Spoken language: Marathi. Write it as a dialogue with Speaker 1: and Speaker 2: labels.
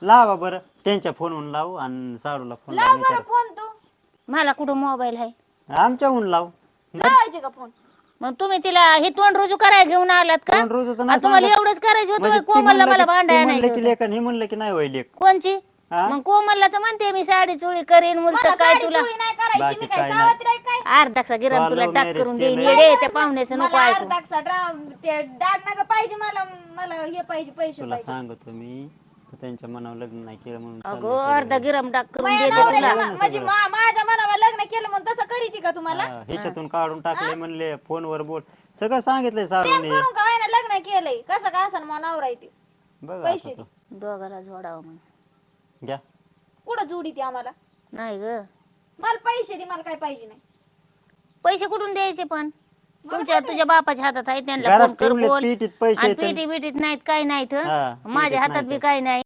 Speaker 1: लावा बरं त्यांच्या फोनवरून लावू आणि साडूला फोन
Speaker 2: लाव बरं फोन तू.
Speaker 3: मला कुठं मोबाईल आहे?
Speaker 1: आमच्याहून लाव.
Speaker 2: लावायचे का फोन?
Speaker 3: मग तुम्ही तिला हे तोंड रुजू करायला घेऊन आलात का?
Speaker 1: तोंड रुजू तर
Speaker 3: आ,
Speaker 1: नाही
Speaker 3: तुम्हाला
Speaker 1: सांगत.
Speaker 3: एवढंच करायचं
Speaker 1: म्हणजे
Speaker 3: होतं
Speaker 1: ती
Speaker 3: कोमलला
Speaker 1: म्हणलं
Speaker 3: मला
Speaker 1: की-
Speaker 3: भांडायला
Speaker 1: ती म्हणलं
Speaker 3: आणायचं
Speaker 1: की
Speaker 3: होतं.
Speaker 1: लेक आणि हे म्हणलं की नाही वय लेक.
Speaker 3: कोणची?
Speaker 1: हा?
Speaker 3: मग कोमलला तर म्हणते मी साडी चोळी करेन
Speaker 2: मला
Speaker 3: मुलगा काय
Speaker 2: साडी
Speaker 3: तुला
Speaker 2: चोळी नाही करायची,
Speaker 1: बाकी
Speaker 2: मी काय
Speaker 1: काय नाही.
Speaker 2: सावत्र आहे काय?
Speaker 3: अर्धाचा गिराम तुला
Speaker 1: Follow
Speaker 3: टाक
Speaker 1: marriage
Speaker 3: करून देईन
Speaker 1: केलंय.
Speaker 3: येडे त्या पाहुण्याचं नको
Speaker 2: मला
Speaker 3: ऐकू.
Speaker 2: अर्धाचा ते डाग नका पाहिजे मला. मला हे पाहिजे, पैसे
Speaker 1: तुला
Speaker 2: पाहिजे.
Speaker 1: सांगतो मी तू त्यांच्या मनावर लग्न नाही केलं म्हणून
Speaker 3: अगो
Speaker 1: चाललंय
Speaker 3: अर्धा गिराम टाक करून
Speaker 2: माझ्या
Speaker 3: देते तुला.
Speaker 2: नवऱ्याच्या म्हणजे माझ्या मनावर लग्न केलं म्हणून तसं करीती का तुम्हाला?
Speaker 1: सगळं. ह्याच्यातून काढून टाकले म्हणले फोनवर बोल सगळं सांगितलंय
Speaker 2: प्रेम
Speaker 1: सारूने.
Speaker 2: करून का व्हायना लग्न केलंय, कसं का असं मग नवरा आहे ते.
Speaker 1: बघ
Speaker 2: पैसे
Speaker 1: आता
Speaker 2: दे.
Speaker 1: तू.
Speaker 3: दोघाला जोडावं मग.
Speaker 1: घ्या
Speaker 2: कुठं जोडी ती आम्हाला?
Speaker 3: नाही ग
Speaker 2: मला पैसे दे, मला काय पाहिजे नाही.
Speaker 3: पैसे कुठून द्यायचे पण? तुझ्या बापाच्या हातात आहे त्यांना
Speaker 1: घरात
Speaker 3: फोन कर
Speaker 1: ठेवलेत
Speaker 3: बोल.
Speaker 1: पीठीत पैसे
Speaker 3: आणि
Speaker 1: आहेत आणि-
Speaker 3: पिटी बिटीत नाहीत काय नाहीत
Speaker 1: हा,
Speaker 3: माझ्या
Speaker 1: पीठीत
Speaker 3: हातात
Speaker 1: नाहीत.
Speaker 3: बी काय नाही.